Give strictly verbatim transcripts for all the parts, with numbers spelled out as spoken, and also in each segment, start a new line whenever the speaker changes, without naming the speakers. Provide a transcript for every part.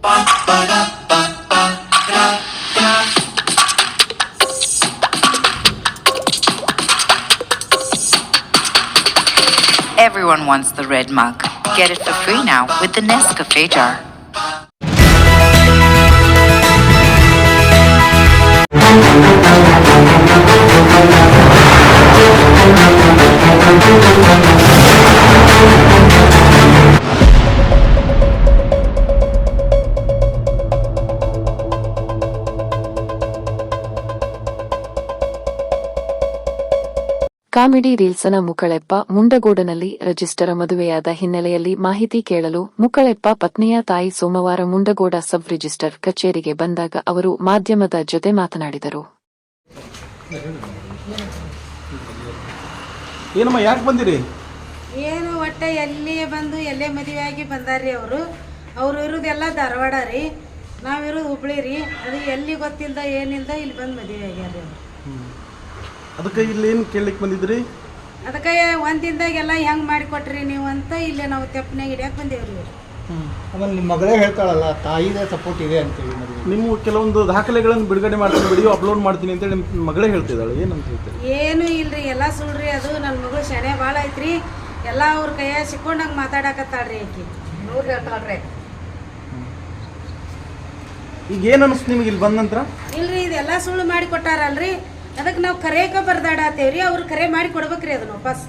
Everyone wants the red mug. Get it for free now with the Nescafe jar.
Comedy ರೀಲ್ಸ್ನ ಮುಕ್ಕಳೆಪ್ಪ ಮುಂಡಗೋಡನಲ್ಲಿ register ಮದುವೆಯಾದ ಹಿನ್ನೆಲೆಯಲ್ಲಿ ಮಾಹಿತಿ ಕೇಳಲು ಮುಕ್ಕಳೆಪ್ಪ ಪತ್ನಿಯ ತಾಯಿ ಸೋಮವಾರ ಮುಂಡಗೋಡ ಸಬ್ ರಿಜಿಸ್ಟರ್ ಕಚೇರಿಗೆ ಬಂದಾಗ ಅವರು ಮಾಧ್ಯಮದ ಜೊತೆ ಮಾತನಾಡಿದರು.
ಏನಮ್ಮ ಯಾಕೆ ಬಂದಿರಿ?
ಏನು ಒಟ್ಟೆ ಎಲ್ಲಿ ಬಂದು ಎಲ್ಲೇ ಮದುವೆ ಆಗಿ ಬಂದಾರ್ರಿ. ಅವರು ಅವ್ರು ಇರೋದೆಲ್ಲ ಧಾರವಾಡ ರೀ, ನಾವಿರೋದು ಹುಬ್ಳಿ ರೀ. ಅದು ಎಲ್ಲಿ ಗೊತ್ತಿಲ್ದ ಏನಿಲ್ದ ಇಲ್ಲಿ ಬಂದು ಮದುವೆ ಆಗ್ಯಾರ ಅವರು.
ಅದಕ್ಕೆ ಇಲ್ಲಿ ಏನು ಕೇಳಲಿಕ್ಕೆ ಬಂದಿದ್ರಿ?
ಅದಕ್ಕೆ ಒಂದಿಂದಾಗೆಲ್ಲ ಹೆಂಗೆ ಮಾಡಿಕೊಟ್ರಿ ನೀವು ಅಂತ ಇಲ್ಲೇ ನಾವು ತೆಪ್ಪನಾಗ ಹಿಡಿಯಕ್ಕೆ ಬಂದೇವ್ರಿ.
ಆಮೇಲೆ ನಿಮ್ಮ ಮಗಳೇ ಹೇಳ್ತಾಳಲ್ಲ ತಾಯಿದೇ ಸಪೋರ್ಟ್ ಇದೆ ಅಂತೇಳಿ.
ನೀವು ಕೆಲವೊಂದು ದಾಖಲೆಗಳನ್ನು ಬಿಡುಗಡೆ ಮಾಡ್ತೀನಿ, ವಿಡಿಯೋ ಅಪ್ಲೋಡ್ ಮಾಡ್ತೀನಿ ಅಂತೇಳಿ ನಿಮ್ಮ ಮಗಳೇ ಹೇಳ್ತಿದ್ದಾಳೆ. ಏನಂತ ಹೇಳ್ತೀರಿ?
ಏನು ಇಲ್ರಿ, ಎಲ್ಲ ಸುಳ್ರಿ. ಅದು ನನ್ನ ಮಗಳು ಶಾಣೆ ಭಾಳ ಐತ್ರಿ. ಎಲ್ಲ ಅವ್ರ ಕೈಯಾಗ ಸಿಕ್ಕೊಂಡಂಗೆ ಮಾತಾಡಕತ್ತಾಳ್ರಿ ಆಕಿ. ನೂರು ಹೇಳ್ತಾಳ್ರಿ.
ಈಗ ಏನು ಅನಿಸ್ತು ನಿಮಗೆ ಇಲ್ಲಿ ಬಂದ ನಂತರ?
ಇಲ್ರಿ, ಇದೆಲ್ಲ ಸುಳ್ಳು ಮಾಡಿ ಕೊಟ್ಟಾರಲ್ರಿ. ಅದಕ್ಕೆ ನಾವು ಕರೆಯಕ ಬರ್ದಾಡತ್ತೇವ್ರಿ. ಅವ್ರು ಕರೆ ಮಾಡಿ ಕೊಡ್ಬೇಕ್ರಿ ಅದನ್ನ ವಾಪಸ್.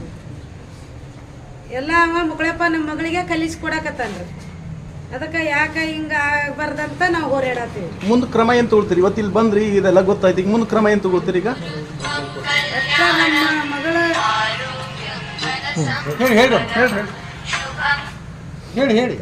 ಎಲ್ಲ ಅವ ಮುಕ್ಕಳಪ್ಪ ನಮ್ಮ ಮಗಳಿಗೆ ಕಲಿಸಿ ಕೊಡಕತ್ತಾನ್ರಿ. ಅದಕ್ಕೆ ಯಾಕೆ ಹಿಂಗೆ ಆಗ್ಬಾರ್ದಂತ ನಾವು ಹೋರಾಡತ್ತೀವಿ.
ಮುಂದೆ ಕ್ರಮ ಏನು ತಗೊಳ್ತೀರಿ? ಇವತ್ತು ಇಲ್ಲಿ ಬಂದ್ರಿ, ಇದೆಲ್ಲ ಗೊತ್ತಾಯ್ತು, ಈಗ ಮುಂದೆ ಕ್ರಮ ಏನು ತಗೊಳ್ತೀರಿ? ಈಗ
ನಮ್ಮ ಮಗಳ
ಹೇಳಿ ಹೇಳಿ ಹೇಳಿ ಹೇಳಿ ಹೇಳಿ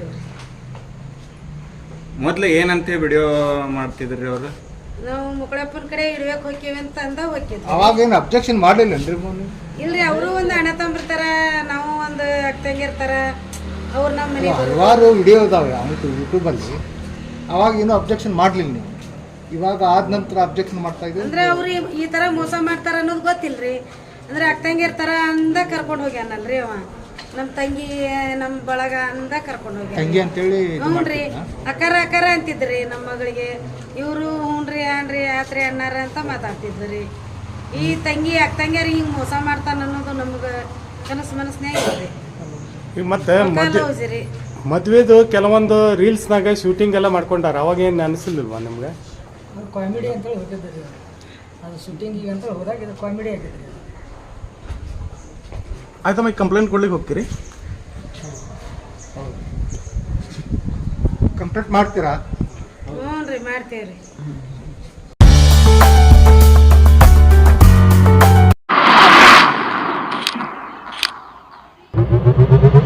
ಮೊದಲು ಏನಂತ ವಿಡಿಯೋ ಮಾಡ್ತಿದ್ರಿ ಅವರು?
ನಾವು ಮುಕ್ಕಳಪ್ಪನ ಕಡೆ ಇಡ್ಬೇಕು ಹೋಗ್ತೀವಿ ಅಂತ ಅಂದ ಹೋಗಿದ್ವಿ.
ಅವಾಗ ಏನು ಅಬ್ಜೆಕ್ಷನ್ ಮಾಡಲಿಲ್ಲನ್ರಿ?
ಇಲ್ರಿ, ಅವರು ಒಂದು ಅಣ್ಣ ತಂಬಿರ್ತಾರ, ನಾವು ಒಂದು ಅಕ್ಕಂಗಿರ್ತಾರ. ಅವ್ರು ನಮ್ಮ ಮನೆ
ಹಲವಾರು ವಿಡಿಯೋ ಇದಾವೆ ಅವತ್ತು ಯೂಟ್ಯೂಬಲ್ಲಿ. ಅವಾಗ ಏನೂ ಅಬ್ಜೆಕ್ಷನ್ ಮಾಡಲಿಲ್ಲ ನೀವು. ಇವಾಗ ಆದ ನಂತರ ಅಬ್ಜೆಕ್ಷನ್ ಮಾಡ್ತಾ ಇದ್ದೀವಿ
ಅಂದ್ರೆ ಅವ್ರು ಈ ತರ ಮೋಸ ಮಾಡ್ತಾರ ಅನ್ನೋದು ಗೊತ್ತಿಲ್ರಿ. ಅಂದ್ರೆ ಅಕ್ಕಂಗಿರ್ತಾರ ಅಂದ ಕರ್ಕೊಂಡು ಹೋಗ್ಯಾನಲ್ರಿ ಅವ. ನಮ್ಮ ತಂಗಿ ನಮ್ಮ ಬಳಗ ಅಂದ ಕರ್ಕೊಂಡು ಹೋಗ್ಯಾನ.
ತಂಗಿ ಅಂತೇಳಿ
ಹ್ಞೂನ್ರಿ, ಅಕ್ಕಾರ ಅಕ್ಕಾರ ಅಂತಿದ್ರಿ ನಮ್ಮ ಮಗಳಿಗೆ. ಇವರು ಹ್ಞೂನ್ರಿ ಅನ್ರಿ ಆತ್ರಿ ಅಣ್ಣಾರ ಅಂತ ಮಾತಾಡ್ತಿದ್ರಿ. ಈ ತಂಗಿ ಅಕ್ಕ ತಂಗಿಯರ್ ಹಿಂಗೆ ಮೋಸ ಮಾಡ್ತಾನ ಅನ್ನೋದು ನಮ್ಗೆ ಕನಸು ಮನಸ್ನ್ಯಾಗ ಇಲ್ರಿ.
ಈಗ ಮತ್ತೆ ಮದ್ವೆದು ಕೆಲವೊಂದು ರೀಲ್ಸ್ನಾಗ ಶೂಟಿಂಗ್ ಎಲ್ಲ ಮಾಡ್ಕೊಂಡಾರ. ಅವಾಗ ಏನು ಅನಿಸಿಲ್ವಾ ನಿಮ್ಗೆ?
ಕಾಮಿಡಿ ಅಂತೇಳಿ ಹೋಗಿದ್ರಿ. ಅದು ಶೂಟಿಂಗಿಗೆ ಅಂತ ಹೋದಾಗ ಇದು ಕಾಮಿಡಿ ಆಗಿದ್ರಿ.
ಆಯ್ತಮ್ಮ, ಈಗ ಕಂಪ್ಲೇಂಟ್ ಕೊಡ್ಲಿಕ್ಕೆ ಹೋಗ್ತೀರಿ?
ಕಂಪ್ಲೇಂಟ್ ಮಾಡ್ತೀರಾ?
ಹ್ಞೂ ರೀ, ಮಾಡ್ತೇವ್ರಿ.
Thank you.